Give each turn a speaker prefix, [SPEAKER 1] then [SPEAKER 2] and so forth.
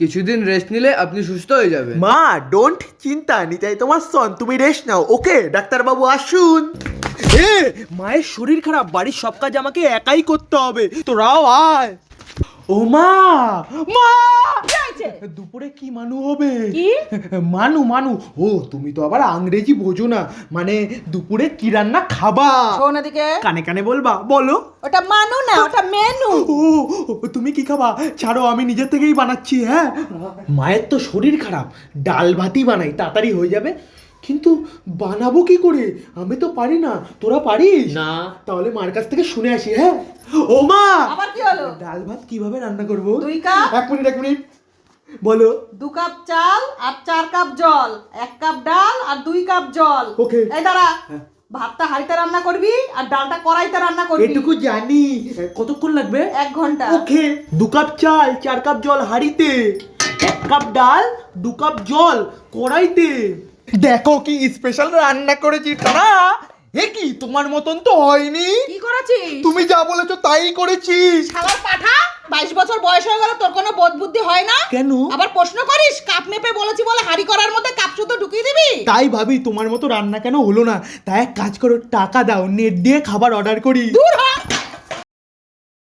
[SPEAKER 1] কিছুদিন রেস্ট নিলে আপনি সুস্থ হয়ে যাবেন।
[SPEAKER 2] মা ডোন্ট চিন্তা নিতাই তোমার সন, তুমি রেস্ট নাও। ওকে ডাক্তারবাবু আসুন। এ মায়ের শরীর খারাপ, বাড়ির সব কাজ আমাকে একাই করতে হবে, তোরাও আয়। ও মা, মা দুপুরে কি মানু হবে?
[SPEAKER 3] কি
[SPEAKER 2] মানু মানু ও তুমি তো আবার ইংরেজি বোঝো না, মানে দুপুরে কি রান্না খাবা?
[SPEAKER 3] শোন এদিকে,
[SPEAKER 2] কানে কানে বলবা, বলো।
[SPEAKER 3] ওটা মানু না, ওটা মেনু।
[SPEAKER 2] ও তুমি কি খাবা? ছাড়ো, আমি নিজে থেকেই বানাচ্ছি। হ্যাঁ, মায়ের তো শরীর খারাপ, ডাল ভাতই বানাই, তাড়াতাড়ি হয়ে যাবে। কিন্তু বানাবো কি করে? আমি তো পারি না, তোরা পারিস?
[SPEAKER 1] না।
[SPEAKER 2] তাহলে মার কাছ থেকে শুনে আসি। হ্যাঁ ও মা,
[SPEAKER 3] আবার কি হলো?
[SPEAKER 2] ডাল ভাত কিভাবে রান্না করবো?
[SPEAKER 3] 2 কাপ।
[SPEAKER 2] এক মিনিট বলো।
[SPEAKER 3] 2 কাপ চাল আর 4 কাপ জল, 1 কাপ ডাল আর 2 কাপ জল।
[SPEAKER 2] ওকে।
[SPEAKER 3] এই দাঁড়া,
[SPEAKER 2] হ্যাঁ।
[SPEAKER 3] ভাতটা হাঁড়িতে রান্না করবি আর ডালটা কড়াইতে রান্না করবি।
[SPEAKER 2] এটুকু জানি। কতক্ষণ লাগবে?
[SPEAKER 3] 1 ঘন্টা।
[SPEAKER 2] ওকে। 2 কাপ চাল, 4 কাপ জল হাঁড়িতে, 1 কাপ ডাল, 2 কাপ জল কড়াইতে। দেখো কি স্পেশাল রান্না করেছি তারা। এ কি তোমার মতন তো হয়নি।
[SPEAKER 3] কি করেছিস?
[SPEAKER 2] তুমি যা বলেছো তাই করেছি।
[SPEAKER 3] শালার পাঠা, 22 বছর বয়স হয়ে গেল, তোর কোনো বোধ বুদ্ধি হয় না?
[SPEAKER 2] কেন?
[SPEAKER 3] আবার প্রশ্ন করিস? কাপ মেপে বলেছি বলে হাঁড়ি করার মধ্যে কাপ শুদ্ধ ঢুকিয়ে দিবি?
[SPEAKER 2] তাই ভাবি তোমার মতো রান্না কেন হলো না। তাই এক কাজ করো, টাকা দাও, নেট দিয়ে খাবার অর্ডার করি।
[SPEAKER 3] দূর হ,